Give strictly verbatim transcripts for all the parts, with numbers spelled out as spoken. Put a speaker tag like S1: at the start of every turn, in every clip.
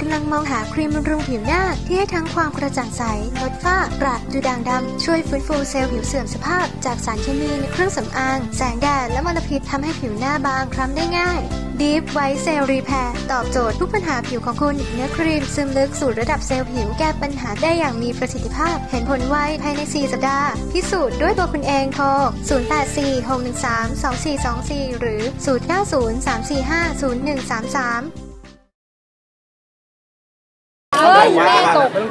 S1: ำลังมองหาครีมบำรุงผิวหน้าที่ให้ทั้งความกระจ่างใสลดฝ้ากระดูด่างดำช่วยฟื้นฟูเซลล์ผิวเสื่อมสภาพจากสารเคมีในเครื่องสำอางแสงแดดและมลพิษทำให้ผิวหน้าบางคล้ำได้ง่าย Deep White Cell Repair ตอบโจทย์ทุกปัญหาผิวของคุณเนื้อครีมซึมลึกสู่ระดับเซลล์ผิวแก้ปัญหาได้อย่างมีประสิทธิภาพเห็นผลไวภายในสี่สัปดาห์พิสูจน์ด้วยตัวคุณเองโทรศูนย์ แปด สี่ หก หนึ่ง สาม สอง สี่ สอง สี่หรือศูนย์ เก้า ศูนย์ สาม สี่ ห้า ศูนย์ หนึ่ง สาม สาม
S2: เฮ้ยแม่ตก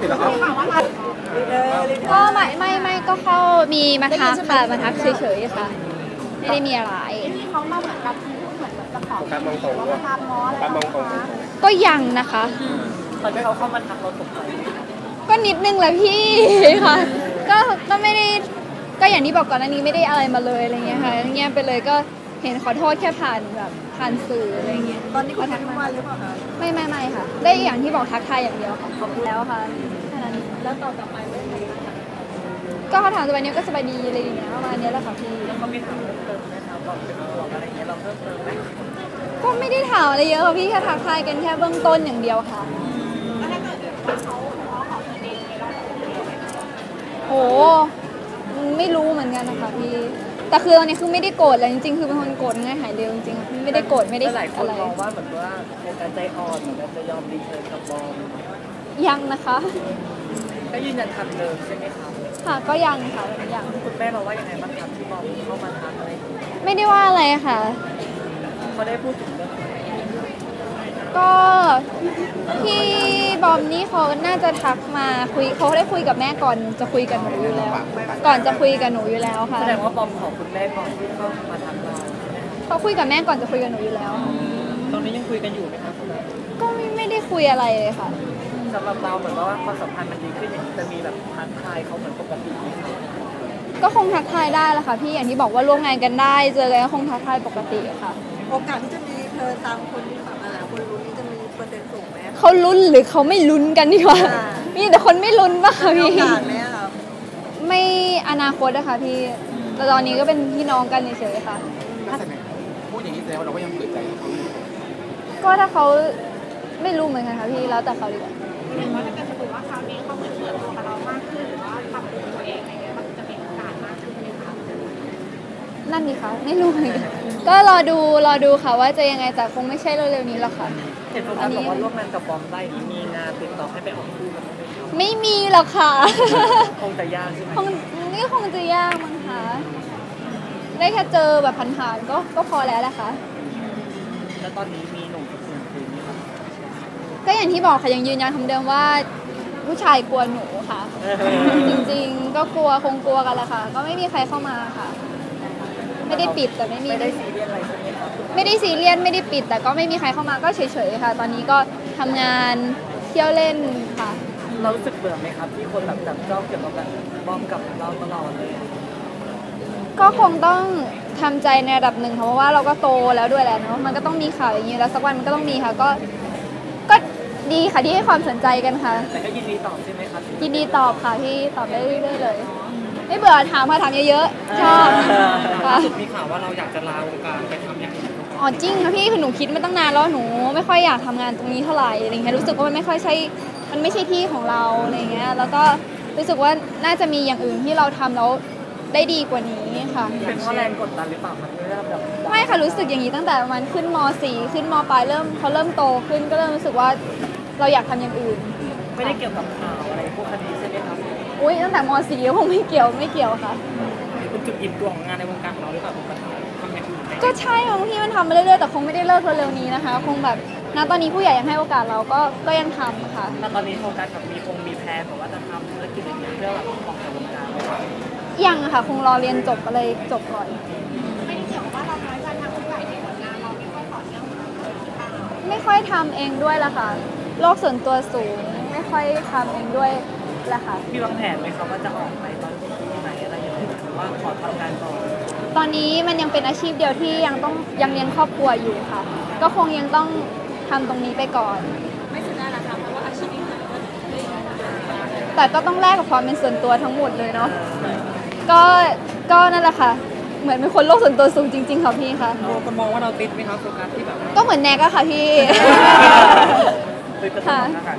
S3: ก็ไม่ไม่ไม่ก็เข้ามีมาทักค่ะมาทักเฉยๆค่ะไม่ได้มีอะไร
S2: ที่เขามาเหมือนกับเหมือนจะขอ
S4: การมองตรง
S2: ว่าทำมออะไรการ
S4: มองตรง
S3: ก็ยังนะคะ
S4: ตอนที่เขาเข้ามาทักเราตกใจ
S3: ก็นิดนึงแหละพี่ค่ะก็ก็ไม่ได้ก็อย่างที่บอกก่อนอันนี้ไม่ได้อะไรมาเลยอะไรเงี้ยค่ะเงี้ยไปเลยก็เห็นขอโทษแค่ผ่านแบบผ่านสื่ออะไรเงี้ย
S2: ตอนนี้เขาทักมาหรือเปล่าคะ
S3: ไม่ไม่ไม่ค่ะได้อย่างที่บอกทักทายอย่างเดียวค่ะขอบคุณแล้วค่ะแค่นั้น
S2: แล้วต่อต่อไปไม่ใคร
S3: ก็เขาถามสบายนี้ก็สบายดีอะไรอย่างเงี้ยประมาณนี้แหละค่ะพี่
S4: แล้วเขามีถามเพิ่มเติมไหมคะบอกเป็นห่วงอะไรเงี้ยเราเพิ่มเติมไหม
S3: ก็ไม่ได้ถามอะไรเยอะค่ะพี่แค่ทักทายกันแค่เบื้องต้นอย่างเดียวค่ะ
S2: แล้วถ้าเกิดว่าเขาขอขอเงินเองเรา
S3: โอ้ไม่รู้เหมือนกันนะคะพี่แต่คือตอนนี้คือไม่ได้โกรธเลยจริงๆคือเป็นคนโกรธง่ายหายเร็วจริงๆไม่ได้โกรธไม่ได้
S4: อะไรหลายคนมองว่าเหมือนว่าโฟกัสใจอ่อนเหมือนกันจะยอมรีเทิร์นกับบอม
S3: ยังนะคะ
S4: ก็ยืนยันคำเดิมใช่ไหมคะ
S3: ค่ะก็ยังค่ะยัง
S4: คุณแม่เราว่ายังไงบ้างครับที่บอมเข้ามาทักอะไร
S3: ไม่ได้ว่าอะไรค่ะ
S4: เขาได้พูดถึงเรื่องอะไร
S3: ก็พี่บอมนี่เขาน่าจะทักมาคุยเขาได้คุยกับแม่ก่อนจะคุยกับหนูอยู่แล้วก่อนจะคุยกับหนูอยู่แล้วค่ะ
S4: แสดงว่าบอมขอคุณแม่ก่อนที่เข้ามาทักเรา
S3: เขาคุยกับแม่ก่อนจะคุยกับหนูอยู่แล้ว
S4: ตอนนี้ยังคุยกันอยู่ไหมครับ
S3: ก็ไม่ไม่ได้คุยอะไรเลยค่ะ
S4: สำหรับเราเหมือนว่าความสัมพันธ์มันดีขึ้นอย่างนี้จะมีแบบทักทายเขาเหมือนปกติไหมครับ
S3: ก็คงทักทายได้แหละค่ะพี่อย่างที่บอกว่าร่วมงานกันได้เจอกันก็คงทักทายปกติค่ะ
S2: โอกาสที่จะมีเธอตามคนที่แบบอ่าคนรู้นี่จะมีเปอร์เซ็นต์สูงไหม
S3: เขาลุ้นหรือเขาไม่ลุ้นกันดีกว่ามีแต่คนไม่ลุ้นป่ะคะพี่ไม่อนาคตนะคะพี่แต่ตอนนี้ก็เป็นพี่น้องกันเฉยๆค่ะ
S4: พูดอย่างนี้แสดงว่าเราก็ยังเปิดใจเขา
S3: ก็ถ้าเขาไม่รู้เหมือนกันค่ะพี่แล้วแต่เขาดีกว่า
S2: ว่าถ้าเกิดสมมติว่าคราวนี้เขาเหมือนเปิดตัวกับเรามากขึ้นหรือว่าปรับปรุงตัวเองอะไรเงี้ยมันจะมีโอกาสมากขึ้นไหมคะ
S3: นั่นดิคะไม่รู้เหมือนกันก็รอดูรอดูค่ะว่าจะยังไงแต่คงไม่ใช่เร็วๆนี้หรอกค่ะ
S4: เห็นคนบอกว่าร่วมงานกับบอมได้มีงานติดต่อให้ไปออกคู่กันไหมครับ
S3: ไม่มีหรอกค่ะ
S4: คงจะยากใช่ไหม
S3: คงนี่คงจะยากมั้งคะได้แค่เจอแบบผ่านๆก็ก็พอแล้วแหละค่ะ
S4: แล้วตอนนี้มีหนุ่มคนอื่นคุยไหมครับ
S3: ก็อย่างที่บอกค่ะยังยืนยันคำเดิมว่าผู้ชายกลัวหนูค่ะจริงๆก็กลัวคงกลัวกันแหละค่ะก็ไม่มีใครเข้ามาค่ะไม่ได้ปิดแต่ไม่มี
S4: ไม่ได้ซีเรียสอะไรใช่ไหมครับ
S3: ไม่ได้ซีเรียสไม่ได้ปิดแต่ก็ไม่มีใครเข้ามาก็เฉยๆค่ะตอนนี้ก็ทำงานเที่ยวเล่นค่ะ
S4: เรารู้สึกเบื่อไหมครับที่คนแบบจับจ้องเกี่ยวกับแบบบอมกับเราตลอดเลย
S3: ก็คงต้องทำใจในระดับหนึ่งค่ะเพราะว่าเราก็โตแล้วด้วยแหละเนาะมันก็ต้องมีข่าวอย่างนี้แล้วสักวันมันก็ต้องมีค่ะก็ก็ดีค่ะที่ให้ความสนใจกันค่ะ
S4: แต่ก็ยินดีตอบใช่ไหมครับ
S3: ยินดีตอบค่ะที่ตอบได้เรื่อยๆเลยไม่เบื่อถามค่ะถามเยอะๆชอบ
S4: ค่ะมีข่าวว่าเราอยากจะลาวงการไปทำอย่างอื่น
S3: อ๋อจริงค่ะพี่คือหนูคิดมาตั้งนานแล้วหนูไม่ค่อยอยากทำงานตรงนี้เท่าไหร่อะไรเงี้ยรู้สึกว่ามันไม่ค่อยใช่มันไม่ใช่ที่ของเราอะไรเงี้ยแล้วก็รู้สึกว่าน่าจะมีอย่างอื่นที่เราทำแล้วได้ดีกว่านี้ค่ะ
S4: เป็นเพราะแรงกดดันหรือเปล่าครับเริ่มแบบ
S3: ไม่ค่ะรู้สึกอย่างนี้ตั้งแต่ประมาณขึ้นม สี่ ขึ้นม.ปลายเริ่มเขาเริ่มโตขึ้นก็เริ่มรู้สึกว่าเราอยากทำอย่างอื่น
S4: ไม่ได้เกี่ยวกับข่าวอะไรพวกคดีใช่ไหมครับ
S3: อุ้ยตั้งแต่ม สี่ คงไม่เกี่ยวไม่เกี่ยวค่ะ
S4: เป็นจุดอิ่มตัวของงานในวงการของเราหรือเปล่าผมทำอย่างอื่น
S3: ก็ใช่บางทีมันทำมาเรื่อยๆแต่คงไม่ได้เลิกเร็วๆนี้นะคะคงแบบณตอนนี้ผู้ใหญ่ยังให้โอกาสเราก็ก็ยังทำค่ะ
S4: ณตอนนี้โฟกัสกับมีคงมีแพลนบอกว่าจะทำธุรกิจอะไรเพื่อแบบออกจากวงการไหมครับ
S3: ยังค่ะคงรอเรียนจบก็เลยจบก่อน
S2: ไม่ได้เกี่ยวกับว่าเราน้อยใจทางผู้ใหญ่ในผลงานเราไม่ค่อยต่อเนื่อง
S3: ไม่ค่อยทำเองด้วยละค่ะโลกส่วนตัวสูงไม่ค่อยทำเองด้วยละค่ะ
S4: มีวางแผนไหมครับว่าจะออกไปตอนที่ไหนอะไรอย่างเงี้ยหรือว่าขอทำงานต่อ
S3: ตอนนี้มันยังเป็นอาชีพเดียวที่ยังต้องยังเลี้ยงครอบครัวอยู่ค่ะก็คงยังต้องทำตรงนี้ไปก่อน
S2: ไม่สุดท้ายนะคะเพราะว่าอาชีพนี้
S3: แต่ก็ต้องแลกกับความเป็นส่วนตัวทั้งหมดเลยเนาะก็ก็นั่นแหละค่ะเหมือนเป็นคนโลกส่วนตัวสูงจริงๆค่ะพี่ค่ะ
S4: คนมองว่าเราติดไหมครับโฟกัสที่แบบ
S3: ก็เหมือนแนกอะค่ะพี่
S4: ค่ะ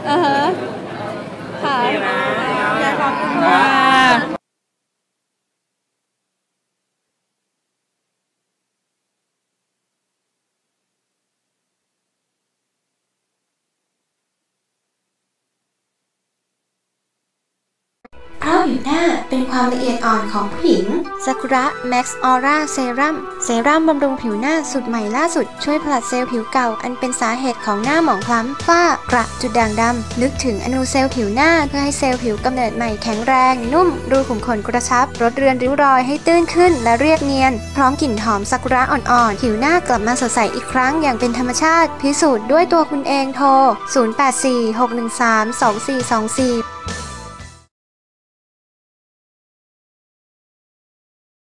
S3: อ่าฮะค่ะ
S4: อยากขอบคุณ
S3: ค่ะ
S1: เพราะผิวหน้าเป็นความละเอียดอ่อนของผู้หญิงซากุระแม็กซ์ออร่าเซรั่มเซรั่มบำรุงผิวหน้าสูตรใหม่ล่าสุดช่วยผลัดเซลล์ผิวเก่าอันเป็นสาเหตุของหน้าหมองคล้ำฝ้ากระจุดด่างดำลึกถึงอนูเซลล์ผิวหน้าเพื่อให้เซลล์ผิวกำเนิดใหม่แข็งแรงนุ่มรูขุมขนกระชับลดเรือนริ้วรอยให้ตื้นขึ้นและเรียบเนียนพร้อมกลิ่นหอมซากุระอ่อนๆผิวหน้ากลับมาสดใสอีกครั้งอย่างเป็นธรรมชาติพิสูจน์ด้วยตัวคุณเองโทรศูนย์ แปด สี่ หก หนึ่ง สาม สอง สี่ สอง สี่